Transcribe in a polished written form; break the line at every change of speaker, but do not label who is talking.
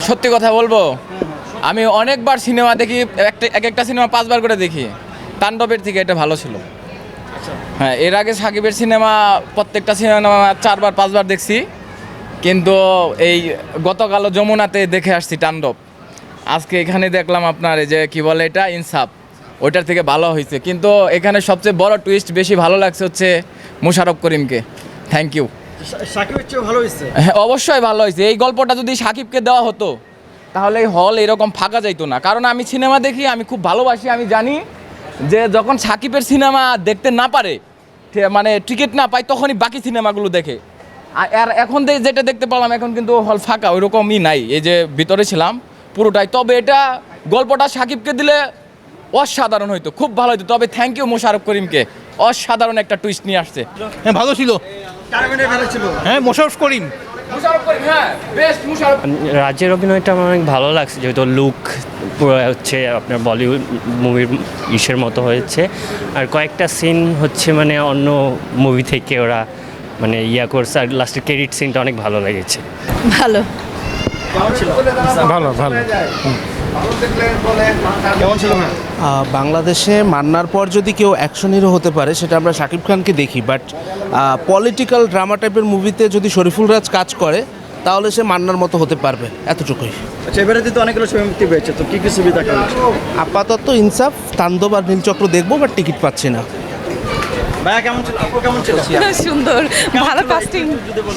সত্যি কথা বলবো, আমি অনেকবার সিনেমা দেখি, এক একটা সিনেমা 5বার করে দেখি। তাণ্ডবের থেকে এটা ভালো ছিল। হ্যাঁ, এর আগে সাকিবের সিনেমা প্রত্যেকটা সিনেমা 4বার 5বার দেখছি, কিন্তু এই গতকাল যমুনাতে দেখে আসছি তাণ্ডব। আজকে এখানে দেখলাম আপনার এই যে কি বলে এটা, ইনসাফ, ওইটার থেকে ভালো হয়েছে। কিন্তু এখানে সবচেয়ে বড় টুইস্ট বেশি ভালো লাগছে হচ্ছে মোশাররফ করিমকে। Thank you.
সাকিবের চেয়ে ভালো হয়েছে।
হ্যাঁ, অবশ্যই ভালো হয়েছে। এই গল্পটা যদি সাকিবকে দেওয়া হতো তাহলে এই হল এরকম ফাঁকা যাইতো না। কারণ আমি সিনেমা দেখি, আমি খুব ভালোবাসি। আমি জানি যে যখন সাকিবের সিনেমা দেখতে না পারে, মানে টিকিট না পায়, তখনই বাকি সিনেমাগুলো দেখে। আর এখন যেটা দেখতে পেলাম, এখন কিন্তু হল ফাঁকা, ওইরকমই নাই। এই যে ভিতরে ছিলাম পুরোটাই। তবে এটা গল্পটা সাকিবকে দিলে অসাধারণ হইতো, খুব ভালো হইতো। তবে থ্যাংক ইউ মোশাররফ করিমকে, অসাধারণ একটা টুইস্ট নিয়ে আসছে।
হ্যাঁ, ভালো ছিল।
কারাগারে ভালো ছিল।
হ্যাঁ, মোশাররফ করিম।
মোশাররফ করিম, হ্যাঁ, বেস্ট মোশাররফ।
রাজের অভিনয়টা আমার অনেক ভালো লাগছে, যেহেতু লুক পুরো হচ্ছে আপনার বলিউড মুভির ইসের মতো হয়েছে। আর কয়েকটা সিন হচ্ছে মানে অন্য মুভি থেকে ওরা মানে করছে। আর লাস্টের ক্রেডিট সিনটা অনেক ভালো লেগেছে।
ভালো।
কেমন ছিল?
ভালো ভালো।
কেমন ছিল না?
বাংলাদেশে মান্নার পর যদি কেউ অ্যাকশন হিরো হতে পারে সেটা আমরা শাকিব খানকে দেখি, বাট পলিটিক্যাল ড্রামা টাইপের মুভিতে যদি শরীফুল রাজ কাজ করে তাহলে সে মান্নার মতো হতে পারবে, এতটুকুই।
আচ্ছা, এবারে তো অনেকগুলো ছবি মুক্তি পেয়েছে, তো কি কি ছবি দেখা হচ্ছে?
আপাতত ইনসাফ, তাণ্ডব আর নীলচক্র দেখবো, বাট টিকিট পাচ্ছি না।
ভাইয়া কেমন ছিল? আপু কেমন ছিল?
সুন্দর, ভালো কাস্টিং।